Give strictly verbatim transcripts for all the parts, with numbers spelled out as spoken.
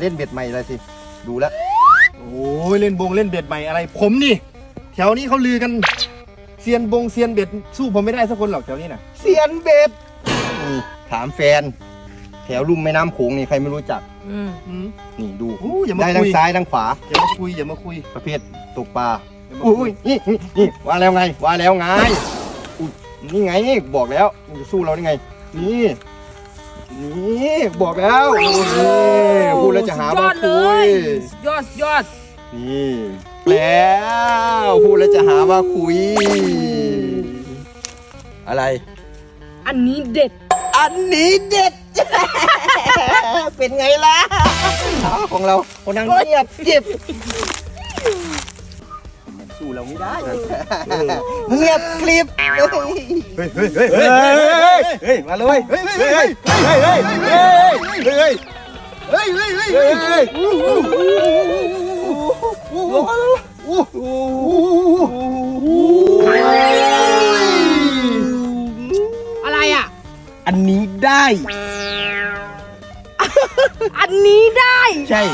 เล่นเบ็ดใหม่อะไรสิดูแล้วโอ้ยเล่นบงเล่นเบ็ดใหม่อะไรผมนี่แถวนี้เขาลือกันเซียนบงเซียนเบ็ดสู้ผมไม่ได้สักคนหรอกแถวนี้น่ะเซียนเบ็ดนี่ถามแฟนแถวลุ่มแม่น้ำโขงนี่ใครไม่รู้จักนี่ดูได้ทั้งซ้ายทั้งขวาอย่ามาคุยอย่ามาคุยประเภทตกปลาอุ้ยนี่นี่ว่าแล้วไงว่าแล้วไงนี่ไงบอกแล้วมันจะสู้เราได้ไงนี่นี่บอกแล้วพูดแล้วจะหาว่าคุยยอดยอดนี่แล้วพูดแล้วจะหาว่าคุยอะไรอันนี้เด็ดอันนี้เด็ดเป็นไงล่ะของเราคนนั่งเงียบเก็บสู้เราไม่ได้เงียบคลิปเฮ้ยเฮ้ยเฮ้ยเฮ้ยเฮ้ยเฮ้ยมาเลยเฮ้ยเฮ้ยเฮ้ยเฮ้ยเฮ้ยเฮ้ยเฮ้ยเฮ้ยเฮ้ยเฮ้ยเฮ้ยเฮ้ยอะไรอ่ะอันนี้ได้อันนี้ได้ใช่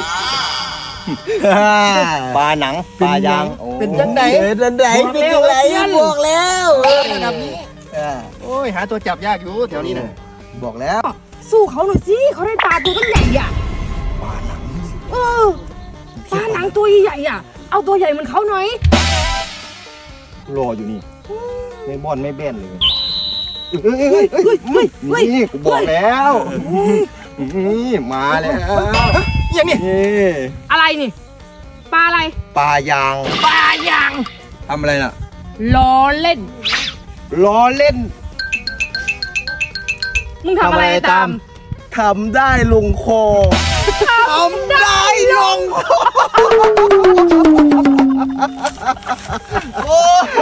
ปลาหนังปลายางเป็นจังไหนเป็นจังไหนเป็นจังไหนบอกแล้วระดับนี้โอ้ยหาตัวจับยากอยู่แถวนี้นะบอกแล้วสู้เขาหน่อยสิเขาได้ปลาตัวตั้งใหญ่อ่ะปลาหนังเออปลาหนังตัวใหญ่อ่ะเอาตัวใหญ่เหมือนเขาหน่อยรออยู่นี่ไม่บ่อนไม่แบนเลยเฮ้ยเฮ้ยเฮ้ยเฮ้ยเฮ้ยนี่กูบอกแล้วนี่มาแล้วอย่างนี้อะไรนี่ปลาอะไรปลายางปลายางทำอะไรน่ะล้อเล่นล้อเล่นมึงทำอะไรตามทำได้ลงคอทำได้ลงคอโอ้ย